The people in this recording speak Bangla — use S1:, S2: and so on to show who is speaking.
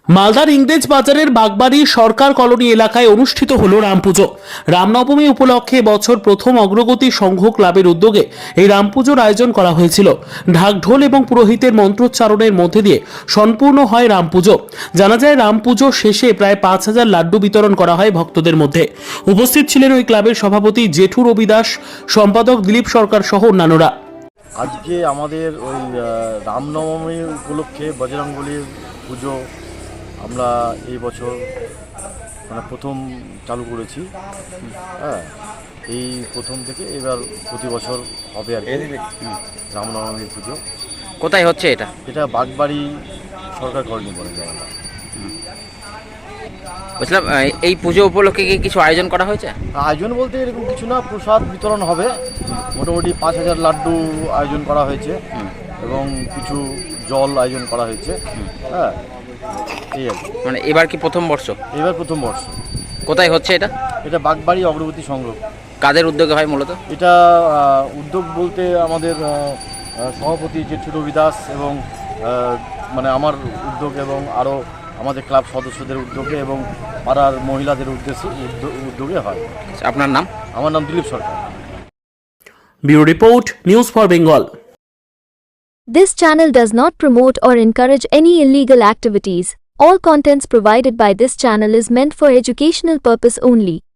S1: মালদার ইংরেজ বাজারের বাগবাড়ি সরকার কলোনি এলাকায় অনুষ্ঠিত হলো রামপুজো। রামনবমী উপলক্ষে বছর প্রথম অগ্রগতি সংঘ ক্লাবের উদ্যোগে এই রামপুজোর আয়োজন করা হয়েছিল। ঢাকঢোল এবং পুরোহিতের মন্ত্রোচ্চারণের মধ্যে দিয়ে সম্পূর্ণ হয় রামপুজো। জানা যায় রামপুজো শেষে প্রায় 5,000 লাড্ডু বিতরণ করা হয় ভক্তদের মধ্যে। উপস্থিত ছিলেন ওই ক্লাবের সভাপতি জেঠু রবি দাস, সম্পাদক দিলীপ সরকার সহ অন্যান্যরা।
S2: আজকে আমাদের ওই রামনবমী উপলক্ষে বজরংবলীর পুজো আমরা এই বছর প্রথম চালু করেছি। হ্যাঁ, এই প্রথম থেকে এবার প্রতি বছর হবে আর কি রামনবমীর পুজো।
S3: কোথায় হচ্ছে এটা?
S2: এটা বাগবাড়ি সরকার কলোনি বলে জায়গাটা।
S3: বলছিলাম এই পুজো উপলক্ষে কি কিছু আয়োজন করা হয়েছে?
S2: আয়োজন বলতে এরকম কিছু না, প্রসাদ বিতরণ হবে। মোটামুটি 5,000 লাড্ডু আয়োজন করা হয়েছে এবং কিছু জল আয়োজন করা হয়েছে। হ্যাঁ, এই আর কি।
S3: মানে এবার কি প্রথম বর্ষ?
S2: এবার প্রথম বর্ষ।
S3: কোথায় হচ্ছে এটা?
S2: এটা বাগবাড়ি অগ্রগতি সংঘ।
S3: কাদের উদ্যোগে হয় মূলত?
S2: এটা উদ্যোগ বলতে আমাদের সভাপতি জেঠু রবি দাস এবং আমার উদ্যোগ এবং আরও আমাদের ক্লাব সদস্যদের উদ্যোগে এবং পাড়ার মহিলাদের উদ্যোগে হয়।
S3: আপনার নাম?
S2: আমার নাম Dilip Sarkar.
S1: Bureau report, news for Bengal.
S4: This channel does not promote or encourage any illegal activities. All contents provided by this channel is meant for educational purpose only.